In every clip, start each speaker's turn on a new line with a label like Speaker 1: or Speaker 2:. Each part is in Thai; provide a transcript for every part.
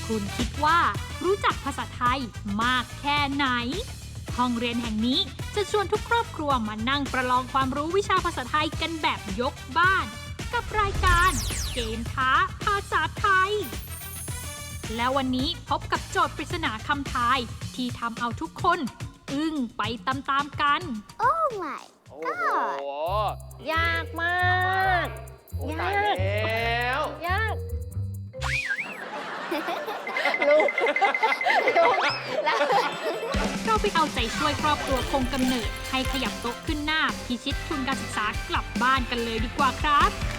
Speaker 1: คุณคิดว่ารู้จักภาษาไทยมากแค่ไหน ห้องเรียนแห่งนี้จะชวนทุกครอบครัวมานั่งประลองความรู้วิชาภาษาไทยกันแบบยกบ้าน กับรายการเกมท้าภาษาไทย และวันนี้พบกับโจทย์ปริศนาคำทายที่ทำเอาทุกคนอึ้งไปตามๆกัน
Speaker 2: Oh my
Speaker 3: โอ้
Speaker 2: god
Speaker 3: โห
Speaker 4: ยากมาก
Speaker 3: โอ้
Speaker 4: ยาก
Speaker 3: ตายแล้ว
Speaker 4: ยาก ลูกแล้ว
Speaker 1: เราไปเอาใจช่วยครอบครัวคงกำเนิดให้ขยับโต๊ะขึ้นหน้าพิชิตทุนการศึกษากลับบ้านกันเลยดีกว่าครับ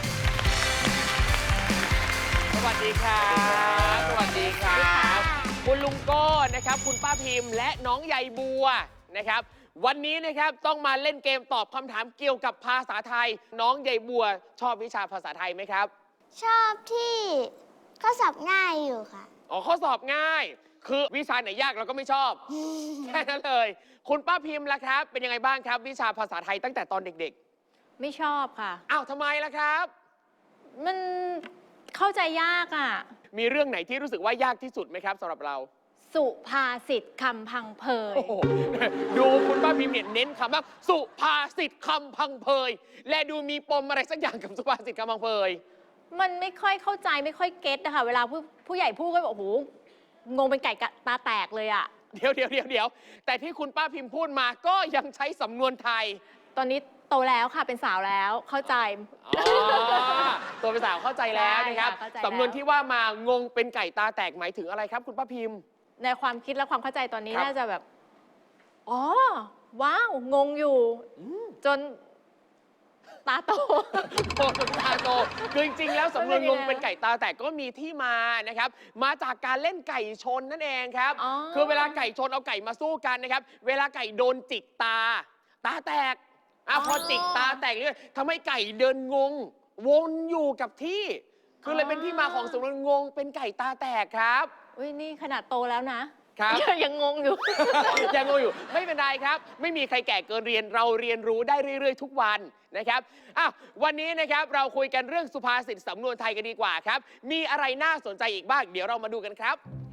Speaker 3: สวัสดีครับ สวัสดีครับ คุณลุงโก้นะครับ คุณป้าพิมพ์และน้องใยบัวนะครับ วันนี้นะครับต้องมาเล่นเกมตอบคำถามเกี่ยวกับภาษาไทย น้องใยบัวชอบวิชาภาษาไทยไหมครับ
Speaker 2: ชอบที่ข้อสอบง่ายอยู่ค่ะ
Speaker 3: อ๋อข้อสอบง่าย คือวิชาไหนยากเราก็ไม่ชอบ แค่นั้นเลย คุณป้าพิมพ์ล่ะครับ เป็นยังไงบ้างครับ วิชาภาษาไทยตั้งแต่ตอนเด็ก
Speaker 4: ไม่ชอบค่ะ
Speaker 3: ๆ อ้าวทำไมล่ะครับ
Speaker 4: มันเข้าใจยากอ่ะ
Speaker 3: มีเรื่องไหนที่รู้สึกว่ายากที่สุดไหมครับสำหรับเรา
Speaker 4: สุภาษิตคำพังเพย
Speaker 3: โอ้โห ดูคุณป้าพิมพ์เนี่ยเน้นคำว่าสุภาษิตคำพังเพย และดูมีปมอะไรสักอย่างกับสุภาษิตคำพังเพย
Speaker 4: มันไม่ค่อยเข้าใจไม่ค่อยเก็ตนะคะเวลาผู้ใหญ่พูดก็แบบโอ้โหงงเป็นไก่ตาแตกเลยอ่ะ
Speaker 3: เดี๋ยวแต่ที่คุณป้าพิมพ์พูดมาก็ยังใช้สำนวนไทย
Speaker 4: ตอนนี้โตแล้วค่ะเป็นสาวแล้วเข้าใจ
Speaker 3: อ๋อ ตัวเป็นสาวเข้าใจแล้วนะครับ
Speaker 4: ใช่ค่ะเข้าใจแล้ว
Speaker 3: สำนวนที่ว่ามางงเป็นไก่ตาแตกหมายถึงอะไรครับ คุณป้าพิมพ์
Speaker 4: ในความคิดและความเข้าใจตอนนี้
Speaker 3: ครับ
Speaker 4: น่าจะแบบ อ๋อ ว้าว งงอยู่ จนตาโต
Speaker 3: โตตาโตคือจริงๆแล้วสำนวนงง
Speaker 4: มันเป็นยังไง
Speaker 3: เป็นไก่ตาแตกก็มีที่มานะครับ มาจากการเล่นไก่ชนนั่นเองครับ
Speaker 4: อ๋อ
Speaker 3: คือเวลาไก่ชนเอาไก่มาสู้กันนะครับ เวลาไก่โดนจิกตาแตกพอจิกตาแตกเนี่ยทำให้ไก่เดินงง วนอยู่กับที่ คือเลยเป็นที่มาของสำนวนงงเป็นไก่ตาแตกครับ
Speaker 4: อุ้ยนี่ขนาดโตแล้วนะครับ ยังงงอยู่
Speaker 3: ยังงงอยู่ไม่เป็นไรครับ ไม่มีใครแก่เกินเรียนเราเรียนรู้ได้เรื่อยๆ ทุกวันนะครับวันนี้นะครับเราคุยกันเรื่องสุภาษิตสำนวนไทยกันดีกว่าครับ มีอะไรน่าสนใจอีกบ้างเดี๋ยวเรามาดูกันครับ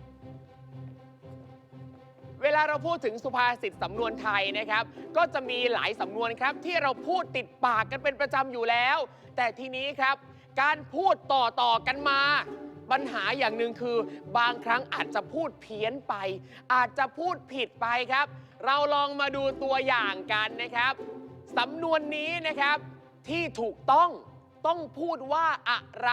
Speaker 3: เวลาเราพูดถึงสุภาษิตสำนวนไทยนะครับ ก็จะมีหลายสำนวนครับที่เราพูดติดปากกันเป็นประจำอยู่แล้ว แต่ทีนี้ครับ การพูดต่อกันมา ปัญหาอย่างหนึ่งคือบางครั้งอาจจะพูดเพี้ยนไป อาจจะพูดผิดไปครับ เราลองมาดูตัวอย่างกันนะครับสำนวนนี้นะครับที่ถูกต้องพูดว่าอะไร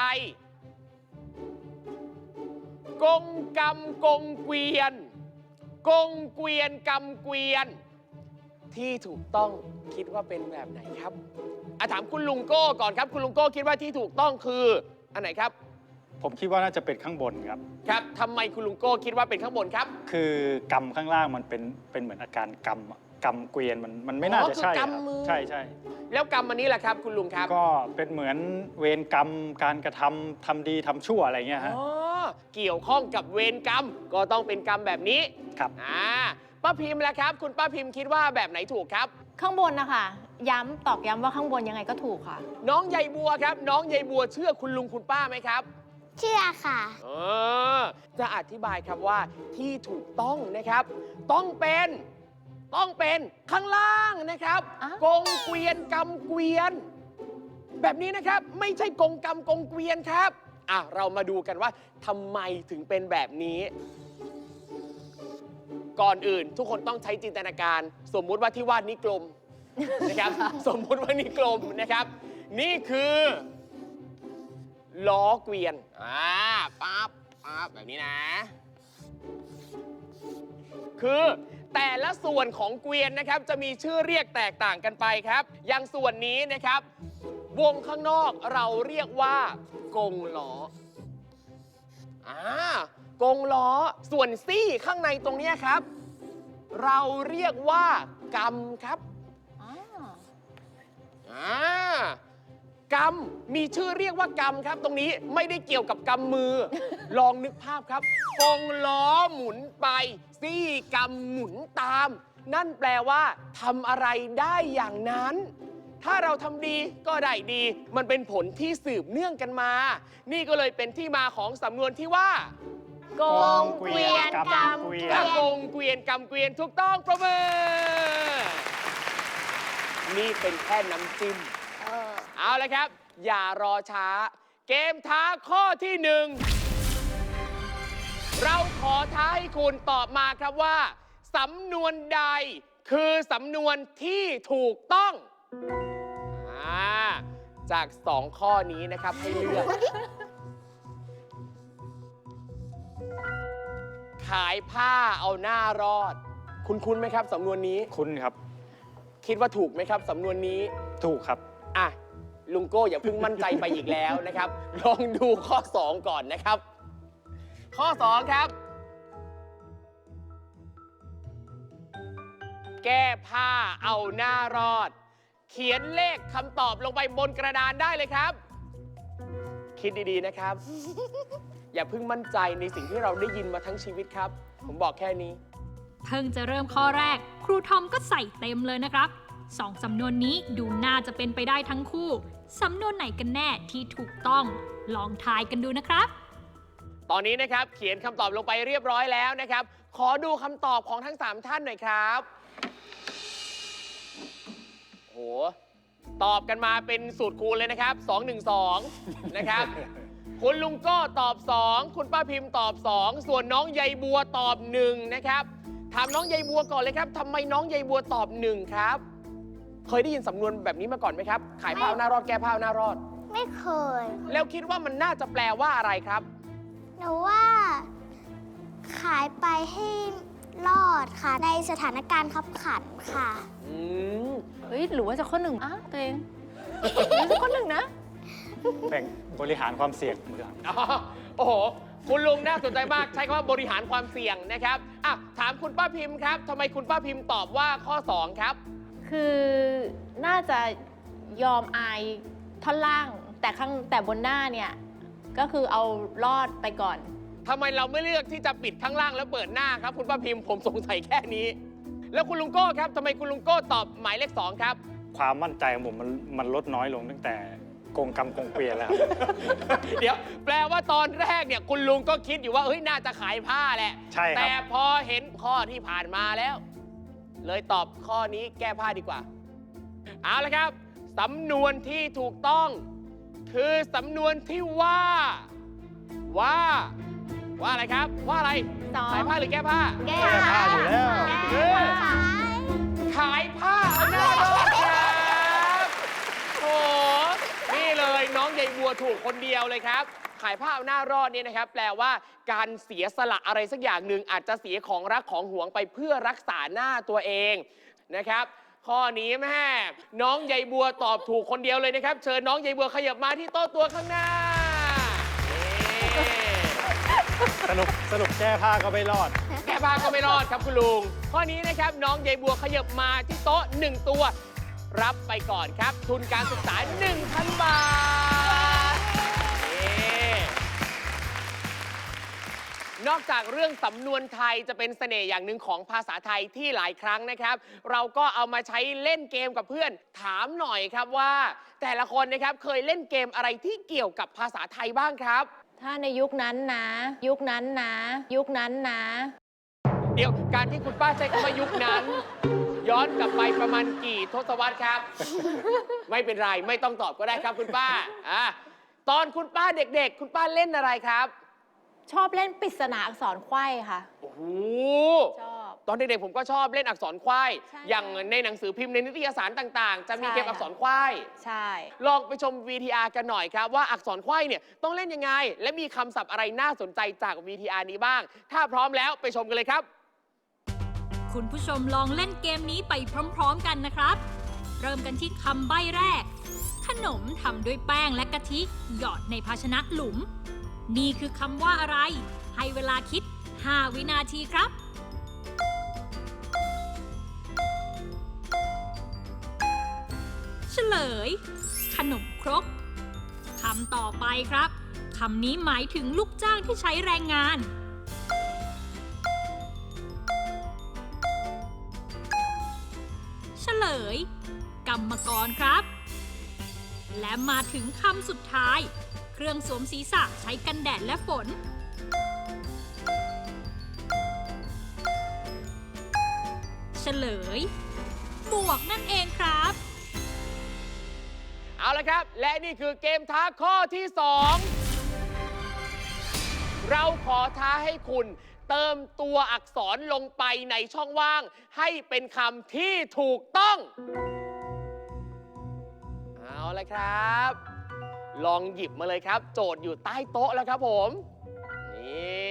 Speaker 3: กงกำกงเกวียน กงเกวียนกำเกวียน ที่ถูกต้องคิดว่าเป็นแบบไหนครับถามคุณลุงโก้ก่อนครับ คุณลุงโก้คิดว่าที่ถูกต้องคืออันไหนครับ
Speaker 5: ผมคิดว่าน่าจะเป็นข้างบนครับ
Speaker 3: ครับทำไมคุณลุงโก้คิดว่าเป็นข้างบนครับ
Speaker 5: คือกำข้างล่างมันเป็นเหมือนอาการกำอะกำเกวียนมันไม่น่าจะใช่
Speaker 3: คือกำ
Speaker 5: ครับ
Speaker 3: มือ
Speaker 5: ใช่
Speaker 3: แล้วกรรมอันนี้แหละครับ คุณลุงครับ
Speaker 5: ก็เป็นเหมือนเวรกรรมการกระทำดีทำชั่วอะไรเงี้ยฮะ
Speaker 3: อ๋อเกี่ยวข้องกับเวรกรรมก็ต้องเป็นกรรมแบบนี้
Speaker 5: ครับ
Speaker 3: ป้าพิมพ์แล้วครับ คุณป้าพิมพ์คิดว่าแบบไหนถูกครับ
Speaker 4: ข้างบนนะคะตอกย้ำว่าข้างบนยังไงก็ถูกค่ะ
Speaker 3: น้องใยบัวครับ น้องใยบัวเชื่อคุณลุงคุณป้าไหมครับ
Speaker 2: เชื่อค่ะ
Speaker 3: จะอธิบายครับว่าที่ถูกต้องนะครับ ต้องเป็นข้างล่างนะครับ
Speaker 4: อ่ะ
Speaker 3: กงเกวียนกำเกวียน แบบนี้นะครับไม่ใช่กงกำกงเกวียนครับเรามาดูกันว่าทำไมถึงเป็นแบบนี้ ก่อนอื่นทุกคนต้องใช้จินตนาการ สมมุติว่าที่วาดนี้กลม นะครับ สมมุติว่านี่กลมนะครับ นี่คือล้อเกวียนปั๊บแบบนี้นะ คือแต่ละส่วนของเกวียนนะครับจะมีชื่อเรียกแตกต่างกันไปครับ อย่างส่วนนี้นะครับ วงข้างนอกเราเรียกว่ากงล้อกงล้อส่วนซี่ข้างในตรงนี้ครับ เราเรียกว่ากำครับกำมีชื่อเรียกว่ากำครับ ตรงนี้ไม่ได้เกี่ยวกับกำมือ ลองนึกภาพครับกงล้อหมุนไปซี่กำหมุนตาม นั่นแปลว่าทำอะไรได้อย่างนั้น ถ้าเราทำดีก็ได้ดี มันเป็นผลที่สืบเนื่องกันมา นี่ก็เลยเป็นที่มาของสำนวนที่ว่า
Speaker 4: โกงเกวียนกำเกวียน
Speaker 3: โกงเกวียนกำเกวียนถูกต้องประเมินนี่เป็นแค่น้ำจิ้ม เอาละครับ อย่ารอช้า เกมท้าข้อที่ 1 เราขอท้าให้คุณตอบมาครับว่า สำนวนใดคือสำนวนที่ถูกต้อง จาก 2 ข้อนี้นะครับให้เลือก ขายผ้าเอาหน้ารอด คุ้นไหมครับสำนวนนี้
Speaker 5: คุณครับ
Speaker 3: คิดว่าถูกไหมครับสำนวนนี้
Speaker 5: ถูกครับ
Speaker 3: อ่ะ ลุงโก้อย่าเพิ่งมั่นใจไปอีกแล้วนะครับ ลองดูข้อ 2 ก่อนนะครับ ข้อ 2 ครับ แก้ผ้าเอาหน้ารอด เขียนเลขคำตอบลงไปบนกระดานได้เลยครับ คิดดีๆนะครับ อย่าเพิ่งมั่นใจในสิ่งที่เราได้ยินมาทั้งชีวิตครับ ผมบอกแค่นี้
Speaker 1: เพิ่งจะเริ่มข้อแรก ครูทอมก็ใส่เต็มเลยนะครับสองสำนวนนี้ดูน่าจะเป็นไปได้ทั้งคู่ สำนวนไหนกันแน่ที่ถูกต้อง ลองทายกันดูนะครับ
Speaker 3: ตอนนี้นะครับเขียนคำตอบลงไปเรียบร้อยแล้วนะครับ ขอดูคำตอบของทั้ง 3 ท่านหน่อยครับโหตอบกันมาเป็นสูตรคูณเลยนะครับ 212 นะครับ คุณลุงโก้ตอบ 2 คุณป้าพิมพ์ตอบ 2 ส่วนน้องใยบัวตอบ 1 นะครับ ถามน้องใยบัวก่อนเลยครับทำไมน้องใยบัวตอบ 1 ครับ เคยได้ยินสำนวนแบบนี้มาก่อนไหมครับ ขายผ้าเอาหน้ารอดแก้ผ้าเอาหน้ารอด
Speaker 2: ไม่เคย
Speaker 3: แล้วคิดว่ามันน่าจะแปลว่าอะไรครับ
Speaker 2: หนูว่า ขายไปให้รอดค่ะ ในสถานการณ์ขับขันค่ะ
Speaker 3: อืม
Speaker 4: เฮ้ย หรือว่าจะข้อ 1อ่ะตัวเองหรือจะข้อ 1 นะ
Speaker 5: แบ่งบริหารความเสี่ยงมือครับ
Speaker 3: อ๋อโอ้โห คุณลุงน่าสนใจมาก ใช้คำว่าบริหารความเสี่ยงนะครับอ่ะถามคุณป้าพิมพ์ครับทำไมคุณป้าพิมพ์ตอบว่าข้อ 2 ครับ
Speaker 4: คือน่าจะยอมอายท่อนล่าง แต่บนหน้าเนี่ย ก็คือเอารอดไปก่อน
Speaker 3: ทำไมเราไม่เลือกที่จะปิดข้างล่างแล้วเปิดหน้าครับ คุณป้าพิมพ์ผมสงสัยแค่นี้ แล้วคุณลุงโก้ครับทำไมคุณลุงโก้ตอบหมายเลข 2 ครับ
Speaker 5: ความมั่นใจของผมมันลดน้อยลงตั้งแต่โกงกรรมโกงเกวียนแล้วครับ
Speaker 3: เดี๋ยว แปลว่าตอนแรกเนี่ยคุณลุงก็คิดอยู่ว่าเฮ้ยน่าจะขายผ้าแหละ
Speaker 5: ใช่ครับ
Speaker 3: แต่พอเห็นข้อที่ผ่านมาแล้ว เลยตอบข้อนี้แก้ผ้าดีกว่า เอาละครับ สำนวนที่ถูกต้อง คือสำนวนที่ว่าอะไรครับ ว่าอะไร
Speaker 4: สอง
Speaker 3: ขายผ้าหรือแก้ผ้า
Speaker 2: แก้
Speaker 5: ผ้าอยู่แล้ว
Speaker 3: เออ ขายผ้าเอาหน้ารอดครับโอ้นี่เลยน้องใยบัวถูกคนเดียวเลยครับ ขายผ้าเอาหน้ารอดเนี่ยนะครับ แปลว่าการเสียสละอะไรสักอย่างหนึ่งอาจจะเสียของรักของหวงไปเพื่อรักษาหน้าตัวเองนะครับ ข้อนี้แม่น้องใยบัวตอบถูกคนเดียวเลยนะครับ เชิญน้องใยบัวขยับมาที่โต๊ะตัวข้างหน้านี่
Speaker 5: สรุปแก้ผ้าก็ไม่รอด
Speaker 3: แก้ผ้าก็ไม่รอดครับคุณลุง ข้อนี้นะครับน้องใยบัวขยับมาที่โต๊ะ 1 ตัว รับไปก่อนครับ ทุนการศึกษา 1,000 บาทนี่นอกจากเรื่องสำนวนไทยจะเป็นเสน่ห์อย่างหนึ่งของภาษาไทยที่หลายครั้งนะครับ เราก็เอามาใช้เล่นเกมกับเพื่อนถามหน่อยครับว่า แต่ละคนนะครับเคยเล่นเกมอะไรที่เกี่ยวกับภาษาไทยบ้างครับ
Speaker 4: ถ้าในยุคนั้นนะ เดี๋ยว
Speaker 3: การที่คุณป้าใช้คำว่ายุคนั้น ย้อนกลับไปประมาณกี่ทศวรรษครับ ไม่เป็นไรไม่ต้องตอบก็ได้ครับคุณป้าตอนคุณป้าเด็กๆ คุณป้าเล่นอะไรครับ
Speaker 4: ชอบเล่นปริศนาอักษรไขว้ค่ะ
Speaker 3: โอ้โห
Speaker 4: ชอบ
Speaker 3: ตอนเด็กๆผมก็ชอบเล่นอักษรควาย
Speaker 4: ใช่
Speaker 3: อย่างในหนังสือพิมพ์ในนิตยสารต่างๆ จะมี
Speaker 4: ใช่
Speaker 3: เกมอักษรควาย
Speaker 4: ใช่
Speaker 3: ลองไปชม VTR กันหน่อยครับว่าอักษรควายเนี่ยต้องเล่นยังไง และมีคำศัพท์อะไรน่าสนใจจาก VTR นี้บ้าง ถ้าพร้อมแล้วไปชมกันเลยครับ
Speaker 1: คุณผู้ชมลองเล่นเกมนี้ไปพร้อมๆกันนะครับ เริ่มกันที่คำใบ้แรก ขนมทำด้วยแป้งและกะทิหยอดในภาชนะหลุม นี่คือคำว่าอะไร ให้เวลาคิด 5 วินาทีครับ เฉลย ขนมครกคำต่อไปครับคำนี้หมายถึงลูกจ้างที่ใช้แรงงาน เฉลย กรรมกรครับ และมาถึงคำสุดท้าย เครื่องสวมศีรษะใช้กันแดดและฝนลย หมวกนั่นเองครับ
Speaker 3: เอาละครับ และนี่คือเกมท้าข้อที่ 2 เราขอท้าให้คุณเติมตัวอักษรลงไปในช่องว่างให้เป็นคำที่ถูกต้อง เอาละครับ ลองหยิบมาเลยครับ โจทย์อยู่ใต้โต๊ะแล้วครับผม นี่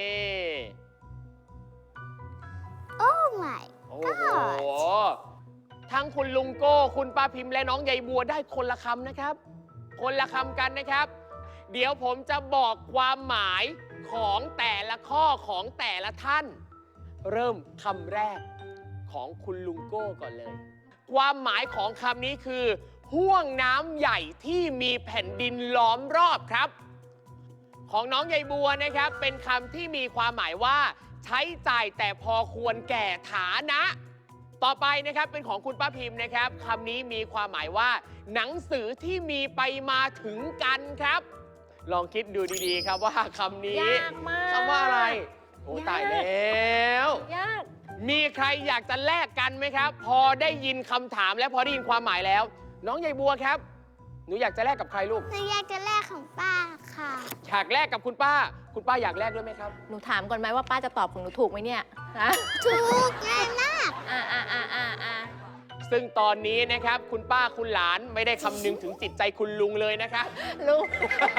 Speaker 2: โอ้ my
Speaker 3: โอ้โห ทั้งคุณลุงโก้ คุณป้าพิมพ์และน้องใยบัวได้คนละคำนะครับ คนละคำกันนะครับ เดี๋ยวผมจะบอกความหมายของแต่ละข้อของแต่ละท่าน เริ่มคำแรกของคุณลุงโก้ก่อนเลย ความหมายของคำนี้คือห้วงน้ำใหญ่ที่มีแผ่นดินล้อมรอบครับ ของน้องใยบัวนะครับ เป็นคำที่มีความหมายว่าใช้จ่ายแต่พอควรแก่ฐานะ ต่อไปนะครับเป็นของคุณป้าพิมพ์นะครับคำนี้มีความหมายว่า หนังสือที่มีไปมาถึงกันครับ ลองคิดดูดีๆครับว่าคำนี้
Speaker 4: ยากมาก
Speaker 3: คำว่าอะไรโอ้ตายแล้ว
Speaker 4: ยาก
Speaker 3: มีใครอยากจะแลกกันไหมครับ พอได้ยินคำถามและพอได้ยินความหมายแล้ว น้องใยบัวครับ หนูอยากจะแลกกับใครลูก
Speaker 2: หนูอยากจะแลกของป้าค่ะ
Speaker 3: อยากแลกกับคุณป้า คุณป้าอยากแลกด้วยไหมครับ
Speaker 4: หนูถามก่อนไหมว่าป้าจะตอบของหนูถูกไหมเนี่ยฮะ
Speaker 2: ถูกง่ายมาก
Speaker 3: ซึ่งตอนนี้นะครับคุณป้าคุณหลานไม่ได้คำนึงถึงจิตใจคุณลุงเลยนะครับ
Speaker 4: ลุง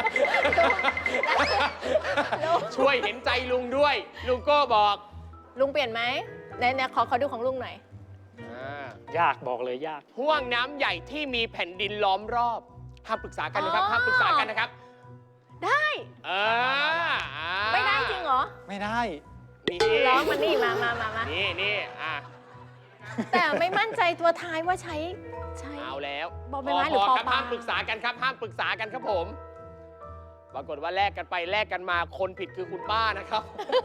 Speaker 3: ช่วยเห็นใจลุงด้วย ลุงโก้บอก
Speaker 4: ลุงเปลี่ยนไหมไหนขอดูของลุงหน่อย
Speaker 5: ยากบอกเลยยาก
Speaker 3: ห่วงน้ำใหญ่ที่มีแผ่นดินล้อมรอบห้ามปรึกษากันนะครับ
Speaker 4: อ๋อ
Speaker 3: ห้ามปรึกษากันนะครับ
Speaker 4: ได้
Speaker 3: า
Speaker 4: ไม่ได้จริงเหรอ
Speaker 5: ไม่ได้
Speaker 3: นี่
Speaker 4: ร้องมันนี่มา
Speaker 3: นี่
Speaker 4: แต่ไม่มั่นใจตัวท้ายว่าใช้
Speaker 3: เอาแล้ว
Speaker 4: บอใบไม้หรือปอ
Speaker 3: ครับ
Speaker 4: ปลา
Speaker 3: ห้ามปรึกษากันครับห้ามปรึกษากันครับผม ปรากฏว่าแลกกันไปแลกกันมาคนผิดคือคุณป้านะครับ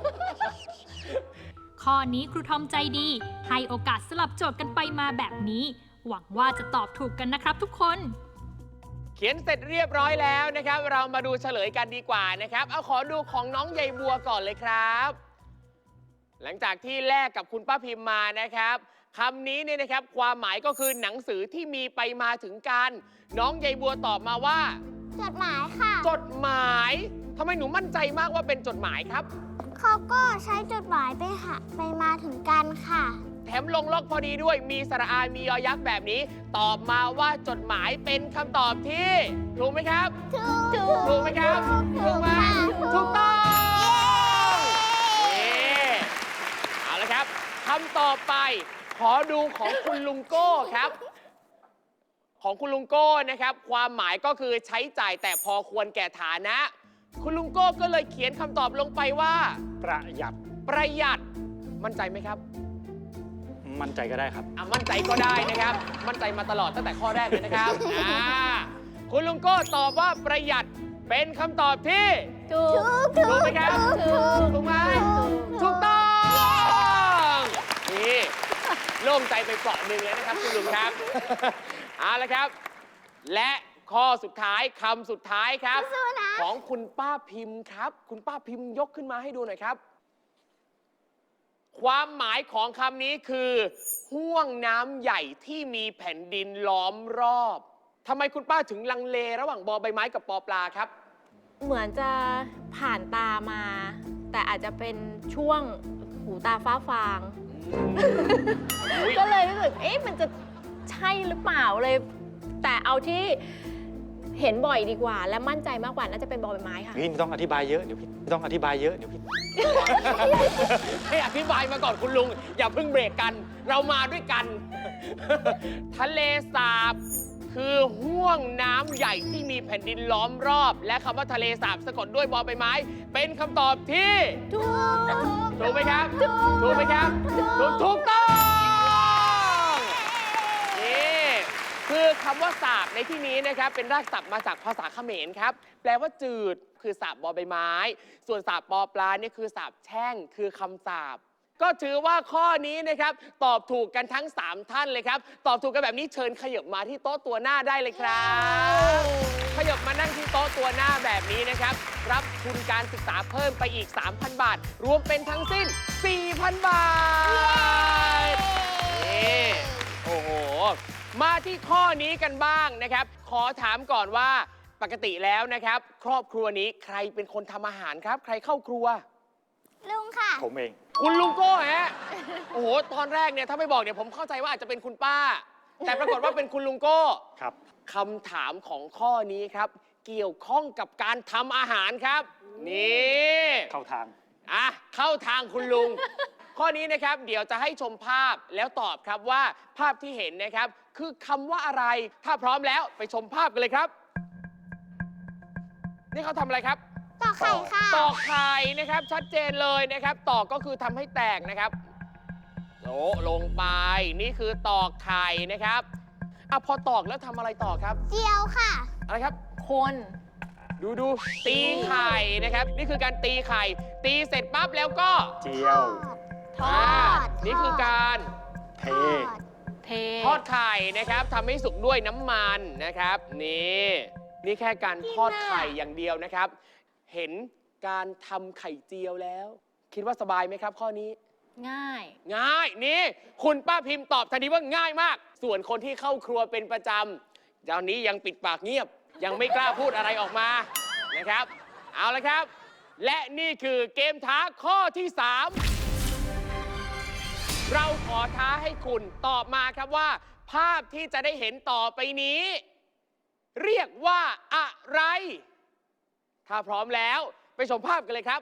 Speaker 1: ข้อนี้ครูทอมใจดี ให้โอกาสสลับโจทย์กันไปมาแบบนี้ หวังว่าจะตอบถูกกันนะครับทุกคน
Speaker 3: เขียนเสร็จเรียบร้อยแล้วนะครับ เรามาดูเฉลยกันดีกว่านะครับ เอาขอดูของน้องใยบัวก่อนเลยครับ หลังจากที่แลกกับคุณป้าพิมพ์มานะครับคำนี้เนี่ยนะครับความหมายก็คือหนังสือที่มีไปมาถึงกัน น้องใยบัวตอบมาว่า
Speaker 2: จดหมายค่ะ
Speaker 3: จดหมายทำไมหนูมั่นใจมากว่าเป็นจดหมายครับ
Speaker 2: เขาก็ใช้จดหมายไปมาถึงกันค่ะ
Speaker 3: แถมลงล็อกพอดีด้วยมีสระอามียอยักษ์แบบนี้ ตอบมาว่าจดหมายเป็นคำตอบที่ถูกไหมครับ ถูกไหมครับถูกไหมถูกต้องนี่เอาละครับคำต่อไปขอดูของคุณลุงโก้ครับ ของคุณลุงโก้นะครับ ความหมายก็คือใช้จ่ายแต่พอควรแก่ฐานะ คุณลุงโก้ก็เลยเขียนคำตอบลงไปว่า
Speaker 5: ประหยัด
Speaker 3: ประหยัดมั่นใจไหมครับ
Speaker 5: มั่นใจก็ได้ครับ
Speaker 3: มั่นใจก็ได้นะครับ มั่นใจมาตลอดตั้งแต่ข้อแรกเลยนะครับ คุณลุงโก้ตอบว่าประหยัดเป็นคำตอบที่
Speaker 4: ถูก
Speaker 3: ถูกไหมครับ ถูกไหมถูกต้องนี่โล่งใจไปเปราะหนึ่งแล้วนะครับคุณลุงครับ เอาละครับ และข้อสุดท้ายคำสุดท้ายครับ ของคุณป้าพิมพ์ครับ คุณป้าพิมพ์ยกขึ้นมาให้ดูหน่อยครับ ความหมายของคำนี้คือห้วงน้ำใหญ่ที่มีแผ่นดินล้อมรอบทำไมคุณป้าถึงลังเลระหว่างบอใบไม้กับปอปลาครับ
Speaker 4: เหมือนจะผ่านตามา แต่อาจจะเป็นช่วงหูตาฟ้าฟาง
Speaker 3: อุ๊ย
Speaker 4: ก็เลยรู้สึกมันจะใช่หรือเปล่าเลย แต่เอาที่เห็นบ่อยดีกว่า และมั่นใจมากกว่าน่าจะเป็นบอใบไม้ค่ะ
Speaker 5: พี่ไม่ต้องอธิบายเยอะ เดี๋ยวพี่ไม่ต้องอธิบายเยอะเดี๋ยวพี่
Speaker 3: ให้อธิบายมาก่อนคุณลุง อย่าเพิ่งเบรกกัน เรามาด้วยกัน ทะเลสาบคือห้วงน้ำใหญ่ที่มีแผ่นดินล้อมรอบ และคำว่าทะเลสาบสะกดด้วยบอใบไม้ เป็นคำตอบที่ ถูกไหมครับ ถูกไหมครับ ถูกต้องนี่คือคำว่าสาบในที่นี้นะครับ เป็นรากศัพท์มาจากภาษาเขมรครับ แปลว่าจืดคือสาบบอใบไม้ ส่วนสาบปอปลาเนี่ยคือสาบแช่งคือคำสาบก็ถือว่าข้อนี้นะครับตอบถูกกันทั้ง 3 ท่านเลยครับ ตอบถูกกันแบบนี้เชิญขยับมาที่โต๊ะตัวหน้าได้เลยครับขยับมานั่งที่โต๊ะตัวหน้าแบบนี้นะครับ รับทุนการศึกษาเพิ่มไปอีก 3,000 บาท รวมเป็นทั้งสิ้น 4,000 บาทนี่โอ้โห มาที่ข้อนี้กันบ้างนะครับ ขอถามก่อนว่าปกติแล้วนะครับ ครอบครัวนี้ใครเป็นคนทำอาหารครับ ใครเข้าครัว
Speaker 2: ลุงค่ะ
Speaker 5: ผมเอง
Speaker 3: คุณลุงโก้ฮะ โอ้โห ตอนแรกเนี่ยถ้าไม่บอกเนี่ยผมเข้าใจว่าอาจจะเป็นคุณป้า แต่ปรากฏว่าเป็นคุณลุงโก้
Speaker 5: ครับ
Speaker 3: คำถามของข้อนี้ครับ เกี่ยวข้องกับการทำอาหารครับ นี่
Speaker 5: เข้าทาง
Speaker 3: เข้าทางคุณลุง ข้อนี้นะครับเดี๋ยวจะให้ชมภาพแล้วตอบครับว่าภาพที่เห็นนะครับ คือคำว่าอะไร ถ้าพร้อมแล้วไปชมภาพกันเลยครับ นี่เขาทำอะไรครับ
Speaker 2: ต่อไข่ค่ะ
Speaker 3: ตอกไข่นะครับชัดเจนเลยนะครับตอกก็คือทำให้แตกนะครับโอ้ลงไปนี่คือตอกไข่นะครับพอตอกแล้วทำอะไรต่อครับ
Speaker 2: เจียวค่ะ
Speaker 3: อะไรครับ
Speaker 4: คน
Speaker 3: ดูตีไข่นะครับ นี่คือการตีไข่ ตีเสร็จปั๊บแล้วก็
Speaker 5: เจียว
Speaker 2: ทอด
Speaker 3: นี่คือการ
Speaker 5: เท
Speaker 4: เท
Speaker 3: ทอดไข่นะครับทำให้สุกด้วยน้ำมันนะครับนี่แค่การทอดไข่อย่างเดียวนะครับ เห็นการทำไข่เจียวแล้ว คิดว่าสบายไหมครับ ข้อนี้
Speaker 4: ง่าย
Speaker 3: ง่ายนี่คุณป้าพิมพ์ตอบทันทีว่าง่ายมาก ส่วนคนที่เข้าครัวเป็นประจำตอนนี้ยังปิดปากเงียบ ยังไม่กล้าพูดอะไรออกมานะครับ เอาละครับ และนี่คือเกมท้าข้อที่ 3 เราขอท้าให้คุณตอบมาครับว่า ภาพที่จะได้เห็นต่อไปนี้ เรียกว่าอะไร ถ้าพร้อมแล้วไปชมภาพกันเลยครับ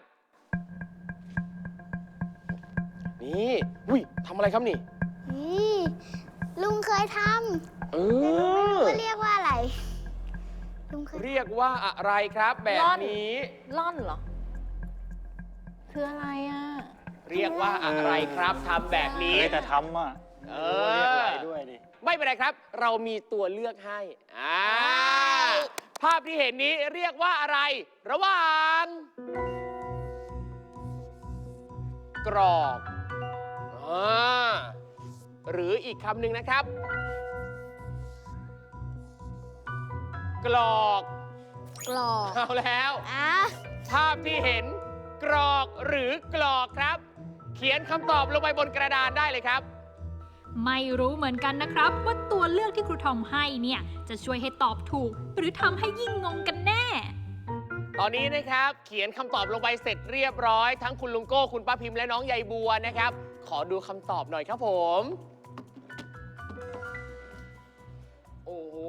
Speaker 3: นี่อุ้ยทำอะไรครับนี่
Speaker 2: นี่ลุงเคยท
Speaker 3: เอ
Speaker 2: ำแต่ลุงไม่รู้
Speaker 3: อ
Speaker 2: ว่าเรียกว่าอะไร ลุงเคย
Speaker 3: เรียกว่าอะไรครับแบบนี้
Speaker 4: ล่อนเหรอ คืออะไรอ่ะ
Speaker 3: เรียกว่าอะไรครับทำแบบนี้
Speaker 5: เคยแต่ทำอ่ะ
Speaker 3: เอ
Speaker 5: เรียกอะไร
Speaker 3: อ
Speaker 5: ด้วยดิ
Speaker 3: ไม่เป็นไรครับ เรามีตัวเลือกให้ภาพที่เห็นนี้เรียกว่าอะไร ระหว่าง กรอบหรืออีกคำหนึ่งนะครับ กรอก
Speaker 2: กรอก
Speaker 3: เอาแล้ว
Speaker 2: อ่ะ
Speaker 3: ภาพที่เห็นกรอกหรือกรอกครับ เขียนคำตอบลงไปบนกระดานได้เลยครับ
Speaker 1: ไม่รู้เหมือนกันนะครับ ว่าตัวเลือกที่ครูทอมให้เนี่ยจะช่วยให้ตอบถูก หรือทำให้ยิ่งงงกันแน่
Speaker 3: ตอนนี้นะครับเขียนคำตอบลงไปเสร็จเรียบร้อยทั้งคุณลุงโก้คุณป้าพิมพ์และน้องใยบัวนะครับ ขอดูคำตอบหน่อยครับผม โอ้โห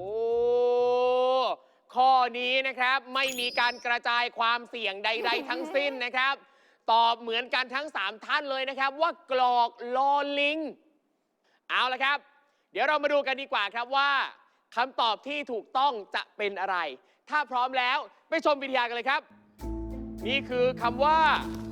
Speaker 3: ข้อนี้นะครับไม่มีการกระจายความเสี่ยงใด ๆ ทั้งสิ้นนะครับ ตอบเหมือนกันทั้ง 3 ท่านเลยนะครับ ว่ากรอกลอลิง เอาละครับ เดี๋ยวเรามาดูกันดีกว่าครับว่าคำตอบที่ถูกต้องจะเป็นอะไร ถ้าพร้อมแล้วไปชมวิทยากันเลยครับ นี่คือคำว่า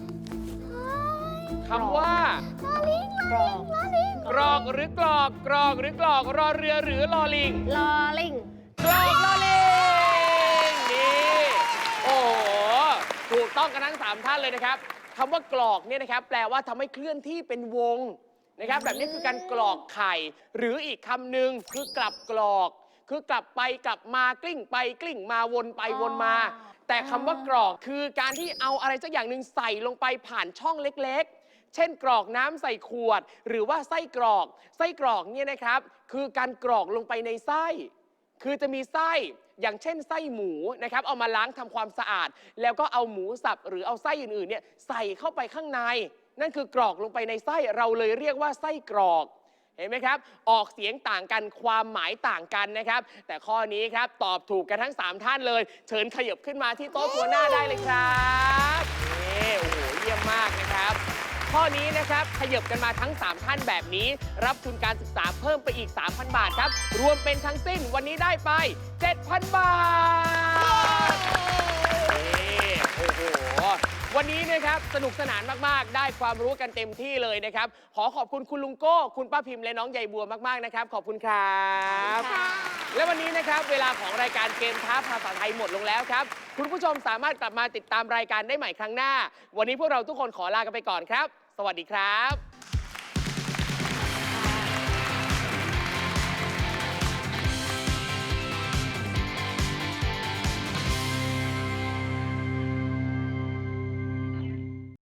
Speaker 4: กรอก
Speaker 3: กรอกหรือกรอกกรอกหรือกรอกรอเรือหรือลอลิง
Speaker 4: ลอลิง
Speaker 3: กรอกลอลิงนี่โอ้โหถูกต้องกันทั้ง 3 ท่านเลยนะครับคำว่ากรอกเนี่ยนะครับแปลว่าทำให้เคลื่อนที่เป็นวงนะครับแบบนี้คือการกรอกไข่ หรืออีกคำหนึ่งคือกลับกรอก คือกลับไปกลับมากลิ้งไปกลิ้งมาวนไปวนมา แต่คำว่ากรอกคือการที่เอาอะไรสักอย่างหนึ่งใส่ลงไปผ่านช่องเล็กๆ เช่นกรอกน้ำใส่ขวด หรือว่าไส้กรอกเนี่ยนะครับคือการกรอกลงไปในไส้ คือจะมีไส้อย่างเช่นไส้หมูนะครับเอามาล้างทำความสะอาด แล้วก็เอาหมูสับหรือเอาไส้อื่นๆเนี่ยใส่เข้าไปข้างใน นั่นคือกรอกลงไปในไส้เราเลยเรียกว่าไส้กรอกเห็นไหมครับออกเสียงต่างกันความหมายต่างกันนะครับแต่ข้อนี้ครับตอบถูกกันทั้ง 3 ท่านเลย เชิญขยับขึ้นมาที่โต๊ะตัวหน้าได้เลยครับนี่โอ้โหเยี่ยมมากนะครับข้อนี้นะครับขยับกันมาทั้ง 3 ท่านแบบนี้ รับทุนการศึกษาเพิ่มไปอีก 3,000 บาทครับรวมเป็นทั้งสิ้นวันนี้ได้ไป 7,000 บาทนี่โอ้โหวันนี้นะครับสนุกสนานมากๆได้ความรู้กันเต็มที่เลยนะครับขอขอบคุณคุณลุงโก้คุณป้าพิมพ์และน้องใยบัวมากๆนะครับขอบคุณครับและวันนี้นะครับเวลาของรายการเกมท้าภาษาไทยหมดลงแล้วครับคุณผู้ชมสามารถกลับมาติดตามรายการได้ใหม่ครั้งหน้าวันนี้พวกเราทุกคนขอลากันไปก่อนครับสวัสดีครับ